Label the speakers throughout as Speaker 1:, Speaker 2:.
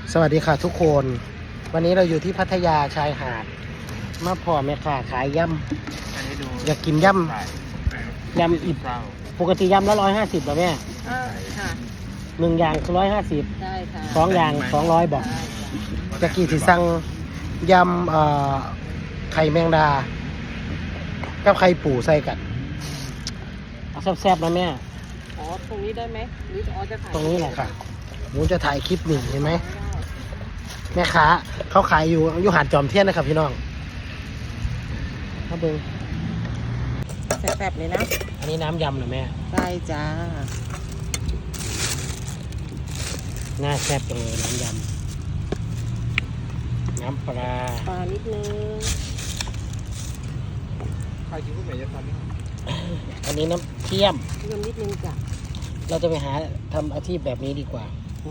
Speaker 1: สวัสดีค่ะทุกคน วันนี้เราอยู่ที่พัทยาชายหาดมาพอแม่ค้าขายยำอยากกินยำอิบปกติยำละ150เหรอแม่
Speaker 2: ค่ะ
Speaker 1: 1อย่างคือ150
Speaker 2: ได้ค่ะ
Speaker 1: 2อย่าง200บอกจะกี่สิสั่งยำไข่แมงดากับไข่ปูใส่กันเอาแซ่บๆนะแม่
Speaker 2: อ๋อตรงนี้ได้ไหมหรืออ๋อจะถ่าย
Speaker 1: ตรงนี้แหละค่ะหนูจะถ่ายคลิปหนึ่งเห็นไหมแม่ค้าเขาขายอยู่หาดจอมเทียนนะครับพี่น้องครับเบิ้ง
Speaker 2: แซ่บๆเลยนะ
Speaker 1: อันนี้น้ำยำเหรอแม่
Speaker 2: ได้จ้า
Speaker 1: น่าแซ่บจังเลยน้ำยำน้ำปลา
Speaker 2: นิดนึง
Speaker 3: ใครกินพวกไหนจะทำนี่
Speaker 1: อันนี้น้ำเทียม
Speaker 2: นิดนึงจ้ะ
Speaker 1: เราจะไปหาทำอาชีพแบบนี้ดีกว่า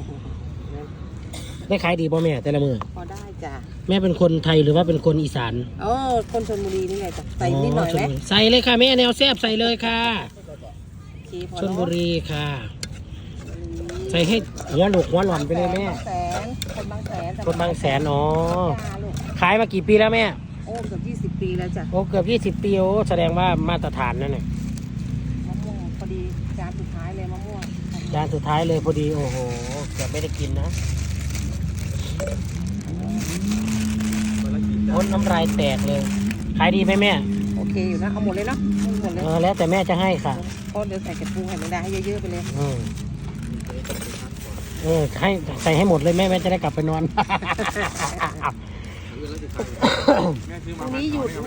Speaker 1: ได้ขายดีป่ะแม่แต่ละมือ
Speaker 2: พอได้จ้ะ
Speaker 1: แม่เป็นคนไทยหรือว่าเป็นคนอีสาน
Speaker 2: คนชลบุรีนี่ไงจ้ะใส่นิดหน่อยไหม
Speaker 1: ใส่เลยค่ะแม่แนวแซ่บใส่เลยค่ะชลบุรีค่ะใส่ให้หัวหลกหัวหล่อนไปเลยแม่
Speaker 2: คนบางแสน
Speaker 1: คนบางแสนอ๋อขายมากี่ปีแล้วแม่
Speaker 2: เกือบ20 ปีแล้วจ้ะ
Speaker 1: เกือบ20 ปีแสดงว่ามาตรฐานนั่นแหละ
Speaker 2: มะม่วงพอดีจานสุดท้ายเลยมะม่วง
Speaker 1: จานสุดท้ายเลยพอดีโอ้โหเกือบไม่ได้กินนะพ้นน้ำลายแตกเลยขายดีไหมแม่
Speaker 2: โอเคอยู่นะเอาหมดเลยเนาะหมดเลย
Speaker 1: แล้วแต่แม่จะให้ค่ะ
Speaker 2: เพราะเดี๋ยวใส่กระปูให้ไม่ได้ให้เยอะๆไปเลย
Speaker 1: ให้ใส่ให้หมดเลยแม่จะได้กลับไปนอน
Speaker 2: พรุ่งนี้หยุด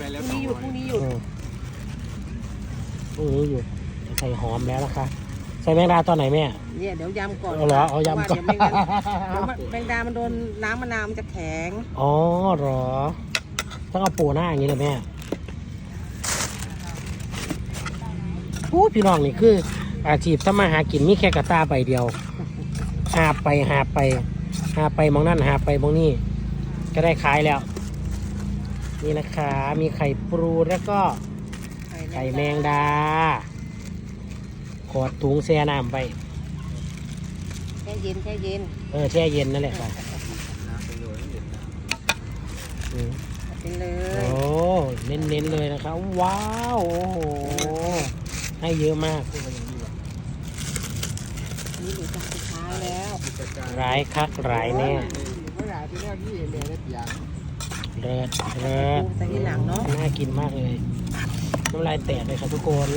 Speaker 1: ใส่หอมแล้วนะคะใส่แมงดาตอนไหนแม่
Speaker 2: เนี่ยเดี๋ยวยำก่อน
Speaker 1: เหรอเอายำก่อน
Speaker 2: แมงดามันโดนน้ำมะนาวมันจะแข็ง
Speaker 1: อ๋อเหรอต้องเอาปูหน้าอย่างนี้เลยแม่พี่น้องนี่คืออาชีพทำมาหากินมีแค่กระตาใบเดียวหาไปมองนั่นหาไปมองนี่ก็ได้ขายแล้วนี่นะคะมีไข่ปรูแล้วก็ไข่แมงดาขอดถุงแช่น้ำไป
Speaker 2: แช่เย็นแช่เ
Speaker 1: ย็นนั่นแหละค่ะ
Speaker 2: เป็นเลย
Speaker 1: โอ้เน้นเลยนะคะว้าวโอ้โหให้เยอะมาก
Speaker 2: นี่ดูจากสุดท้ายแล้ว
Speaker 1: ร้ายคักร้ายแน่เลิศ
Speaker 2: แต่ที่หลังเนาะ
Speaker 1: น่ากินมากเลยน้ำลายแตกเลยค่ะทุกคน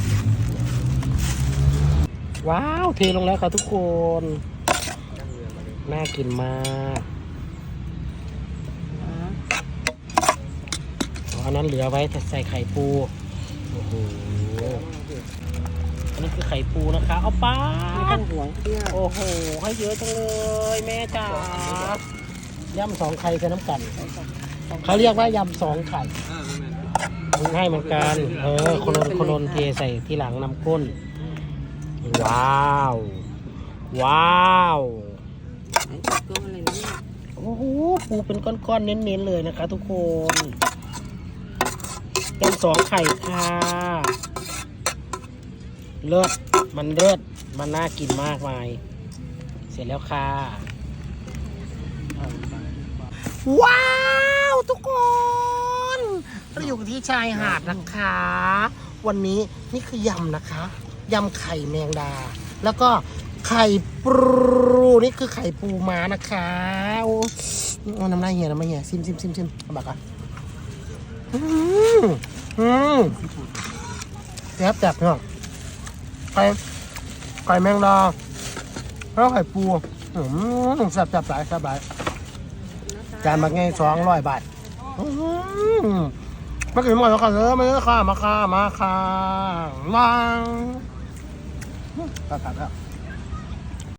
Speaker 1: ว้าวเทลงแล้วค่ะทุกคนน่ากินมากอันนั้นเหลือไว้ใส่ไข่ปูโอ้โหอันนี้คือไข่ปูนะคะเอาป้า
Speaker 2: ห่วงเพื่อ
Speaker 1: โอ้โหให้เยอะจังเลยแม่จ๋ายำ2 ไข่ใส่น้ำกันเขาเรียกว่ายำ2 ไข่ให้เหมือนกันคนนเทใส่ที่หลังน้ำข้นว้าวโอ้โหปูเป็นก้อนๆเน้นๆเลยนะคะทุกคนเป็น2 ไข่ค่ะเลิศมันน่ากินมากมายเสร็จแล้วค่ะว้าวทุกคนเราอยู่ที่ชายหาดนะคะวันนี้นี่คือยำนะคะยำไข่แมงดาแล้วก็ไข่ปูนี่คือไข่ปูม้านะคะโอ้น้ำลายเหี่ยซิมบักอ่ะแซ่บเนาะไข่แมงดาแล้วไข่ปูแซ่บหลายจานมาไง200 บาทมากินหมดแล้วค่ะมาค่ะวางตัดแล้ว